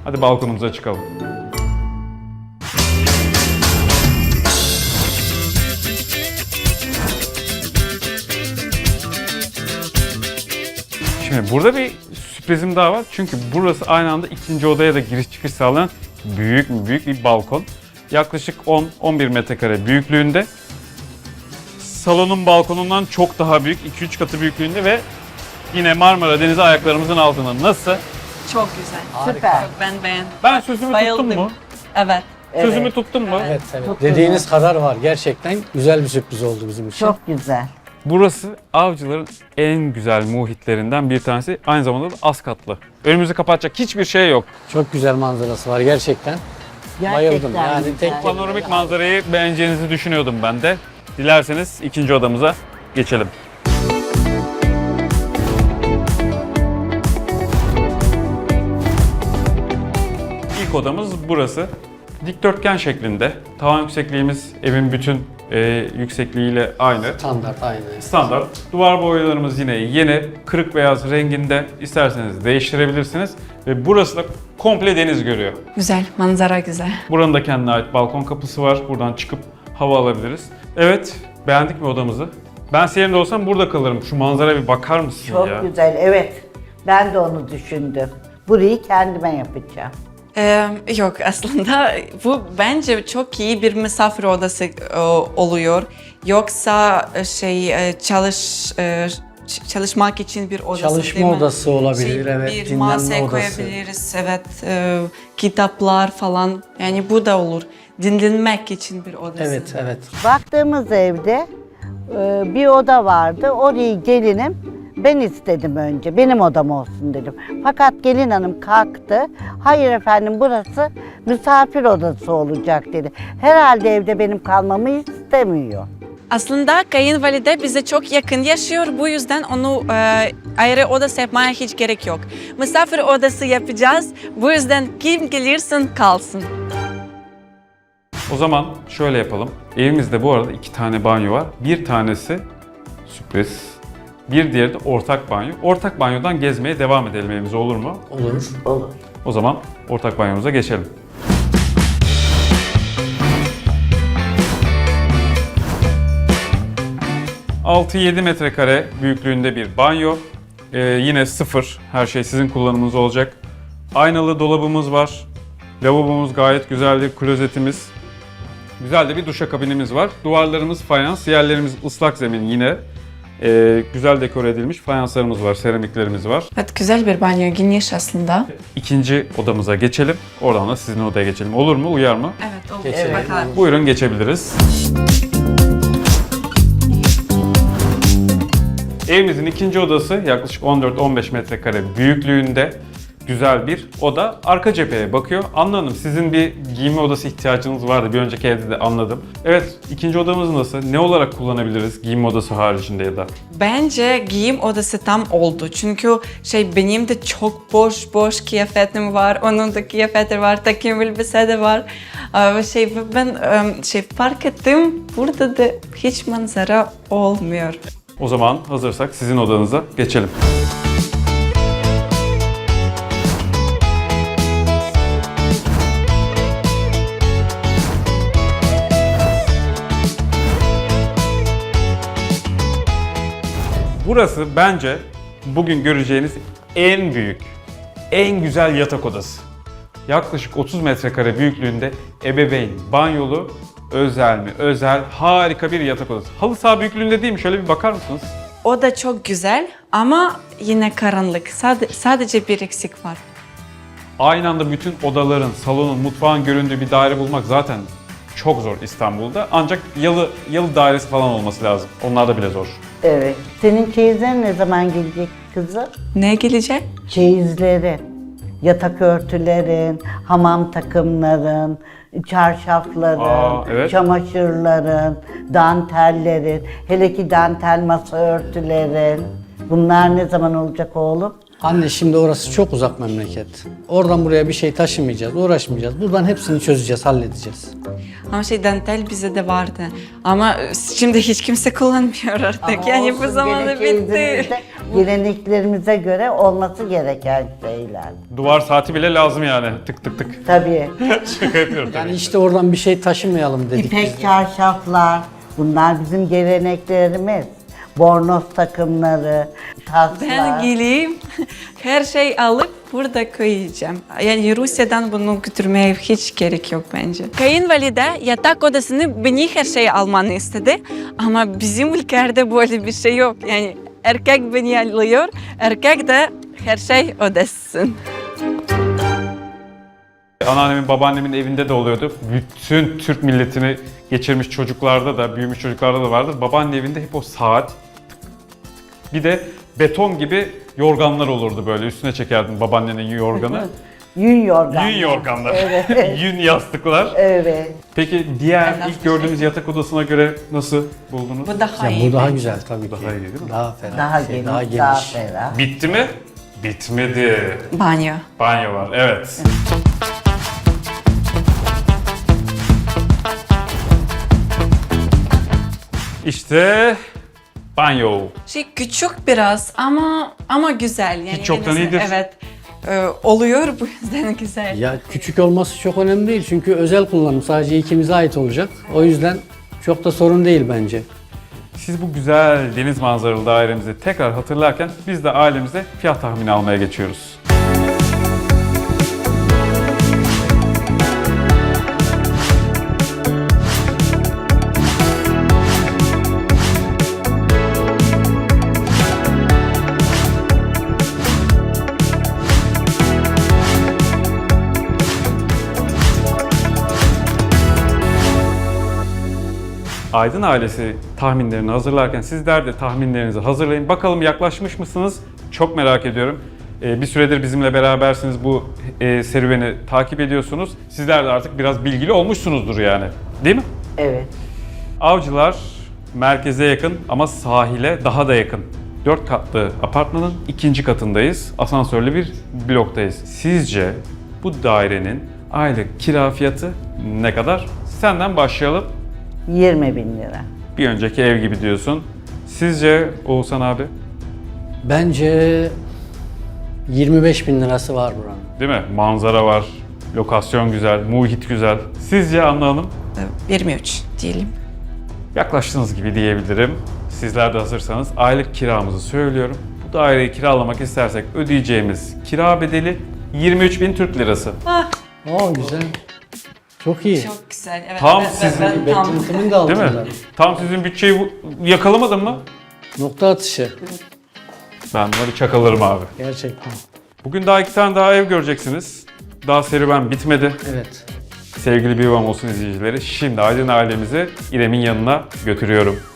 Hadi balkonumuza çıkalım. Şimdi burada bir sürprizim daha var. Çünkü burası aynı anda ikinci odaya da giriş çıkış sağlayan büyük bir balkon. Yaklaşık 10-11 metrekare büyüklüğünde. Salonun balkonundan çok daha büyük, 2-3 katı büyüklüğünde ve yine Marmara Denizi ayaklarımızın altında. Nasıl? Çok güzel. Süper. Ben beğendim. Ben sözümü Bayıldım. tuttum mu? Evet. Sözümü tuttum mu? Evet, evet. Çok Dediğiniz kadar var. Gerçekten güzel bir sürpriz oldu bizim için. Çok güzel. Burası avcıların en güzel muhitlerinden bir tanesi. Aynı zamanda da az katlı. Önümüzü kapatacak hiçbir şey yok. Çok güzel manzarası var gerçekten. Bayıldım. Yani güzel. tek Panoramik manzarayı beğeneceğinizi düşünüyordum ben de. Dilerseniz ikinci odamıza geçelim. İlk odamız burası. Dikdörtgen şeklinde. Tavan yüksekliğimiz evin bütün yüksekliğiyle aynı. standart aynı. Standart. Duvar boyalarımız yine yeni. Kırık beyaz renginde. İsterseniz değiştirebilirsiniz. Ve burası da komple deniz görüyor. Güzel. Manzara güzel. Buranın da kendine ait balkon kapısı var. Buradan çıkıp hava alabiliriz. Evet, beğendik mi odamızı? Ben senin de olsam burada kalırım. Şu manzaraya bir bakar mısın Çok ya? güzel. Evet. Ben de onu düşündüm. Burayı kendime yapacağım. Yok aslında bu bence çok iyi bir misafir odası oluyor. Yoksa çalışmak için bir odası Çalışma değil mi? odası olabilir, evet. Bir Dinlenme masa odası. koyabiliriz, evet. Kitaplar falan. Yani bu da olur. Dinlenmek için bir odası. Evet, evet. Baktığımız evde bir oda vardı. Orayı gelinim ben istedim önce. Benim odam olsun dedim. Fakat gelin hanım kalktı. Hayır efendim burası misafir odası olacak dedi. Herhalde evde benim kalmamı istemiyor. Aslında kayınvalide bize çok yakın yaşıyor. Bu yüzden onu ayrı odası yapmaya hiç gerek yok. Misafir odası yapacağız. Bu yüzden kim gelirsin kalsın. O zaman şöyle yapalım. Evimizde bu arada 2 tane banyo var. Bir tanesi sürpriz. Bir diğeri de ortak banyo. Ortak banyodan gezmeye devam edelim evimize, olur mu? Olur. Olur. O zaman ortak banyomuza geçelim. ...6-7 metrekare büyüklüğünde bir banyo. Yine sıfır. Her şey sizin kullanımınız olacak. Aynalı dolabımız var. Lavabomuz gayet güzel, bir klozetimiz. Güzel de bir duşakabinimiz var. Duvarlarımız fayans, yerlerimiz ıslak zemin yine. Güzel dekore edilmiş fayanslarımız var, seramiklerimiz var. Evet, güzel bir banyo, geniş aslında. İkinci odamıza geçelim. Oradan da sizin odaya geçelim. Olur mu? Uyar mı? Evet, olur. Geçelim. Bakalım. Buyurun geçebiliriz. Evimizin ikinci odası yaklaşık 14-15 metrekare büyüklüğünde güzel bir oda. Arka cepheye bakıyor. Anla Hanım, sizin bir giyinme odası ihtiyacınız vardı. Bir önceki evde de anladım. Evet, ikinci odamız nasıl? Ne olarak kullanabiliriz giyinme odası haricinde ya da? Bence giyim odası tam oldu. Çünkü benim de çok boş kıyafetim var. Onun da kıyafeti var. Takım elbise de var. Ben fark ettim. Burada da hiç manzara olmuyor. O zaman hazırsak sizin odanıza geçelim. Burası bence bugün göreceğiniz en büyük, en güzel yatak odası. Yaklaşık 30 metrekare büyüklüğünde ebeveyn banyolu, özel mi? Özel, harika bir yatak odası. Halı saha büyüklüğünde değil mi? Şöyle bir bakar mısınız? O da çok güzel ama yine karanlık. Sadece bir eksik var. Aynı anda bütün odaların, salonun, mutfağın göründüğü bir daire bulmak zaten çok zor İstanbul'da. Ancak yalı dairesi falan olması lazım. Onlar da bile zor. Evet. Senin çeyizlerin ne zaman gelecek kızım? Ne gelecek? Çeyizlerin, yatak örtülerin, hamam takımların, çarşafların, Evet. çamaşırların, dantellerin, hele ki dantel masa örtülerin. Bunlar ne zaman olacak oğlum? Anne şimdi orası çok uzak memleket. Oradan buraya bir şey taşımayacağız, uğraşmayacağız. Buradan hepsini çözeceğiz, halledeceğiz. Ama dantel bize de vardı. Ama şimdi hiç kimse kullanmıyor artık. Ama yani olsun, bu zamanda gene bitti. çeyizimizde Geleneklerimize göre olması gereken şeyler. Duvar saati bile lazım yani. Tık tık tık. Tabii. Şaka yapıyorum tabii. Yani işte oradan bir şey taşımayalım dedik biz İpek de. çarşaflar, bunlar bizim geleneklerimiz. Bornoz takımları, taslar. Ben geleyim, her şey alıp burada koyacağım. Yani Rusya'dan bunu götürmeye hiç gerek yok bence. Kayınvalide yatak odasını beni her şeyi almanı istedi. Ama bizim ülkede böyle bir şey yok. Yani erkek beni alıyor, erkek de her şey odasın. Anneannemin, babaannemin evinde de oluyordu. Bütün Türk milletini geçirmiş çocuklarda da, büyümüş çocuklarda da vardır. Babaanne evinde hep o saat. Bir de beton gibi yorganlar olurdu böyle. Üstüne çekerdin babaannenin yorganı. Yün yorgan. Yün yorganlar. Evet. Yün yastıklar. Evet. Peki diğer Ben ilk gördüğümüz yatak odasına göre nasıl buldunuz? Bu daha Ya iyi. bu daha bence. güzel tabii ki. Daha iyi değil mi? Daha ferah. Daha şey, geniş, daha daha geniş. ferah. Bitti mi? Bitmedi. Banyo. Banyo var, evet. İşte banyo. Küçük biraz ama güzel. Yani Hiç yoktan en azından- iyidir. Evet. Oluyor bu yüzden güzel. Ya küçük olması çok önemli değil çünkü özel kullanım sadece ikimize ait olacak. O yüzden çok da sorun değil bence. Siz bu güzel deniz manzaralı dairemizi tekrar hatırlarken biz de ailemize fiyat tahmini almaya geçiyoruz. Aydın ailesi tahminlerini hazırlarken sizler de tahminlerinizi hazırlayın. Bakalım yaklaşmış mısınız? Çok merak ediyorum. Bir süredir bizimle berabersiniz, bu serüveni takip ediyorsunuz. Sizler de artık biraz bilgili olmuşsunuzdur yani. Değil mi? Evet. Avcılar merkeze yakın ama sahile daha da yakın. 4 katlı apartmanın 2. katındayız. Asansörlü bir bloktayız. Sizce bu dairenin aylık kira fiyatı ne kadar? Senden başlayalım. 20 bin lira. Bir önceki ev gibi diyorsun. Sizce Oğuzhan abi, Bence 25 bin lirası var buranın. değil mi? Manzara var, lokasyon güzel, muhit güzel. Sizce Anna Hanım? 23 diyelim. Yaklaştığınız gibi diyebilirim. Sizler de hazırsanız aylık kiramızı söylüyorum. Bu daireyi kiralamak istersek ödeyeceğimiz kira bedeli 23.000 Türk lirası. Oo güzel. Çok iyi. Çok güzel. Evet, Tam ben sizin tam. Beklentimin de Değil altında. mi? Tam sizin bütçeyi yakalamadın mı? Nokta atışı. Ben bunları çakalarım abi. Gerçekten. Bugün daha 2 tane daha ev göreceksiniz. Daha serüven bitmedi. Evet. Sevgili Bir Yuvam Olsun izleyicileri, şimdi Aydın ailemizi İrem'in yanına götürüyorum.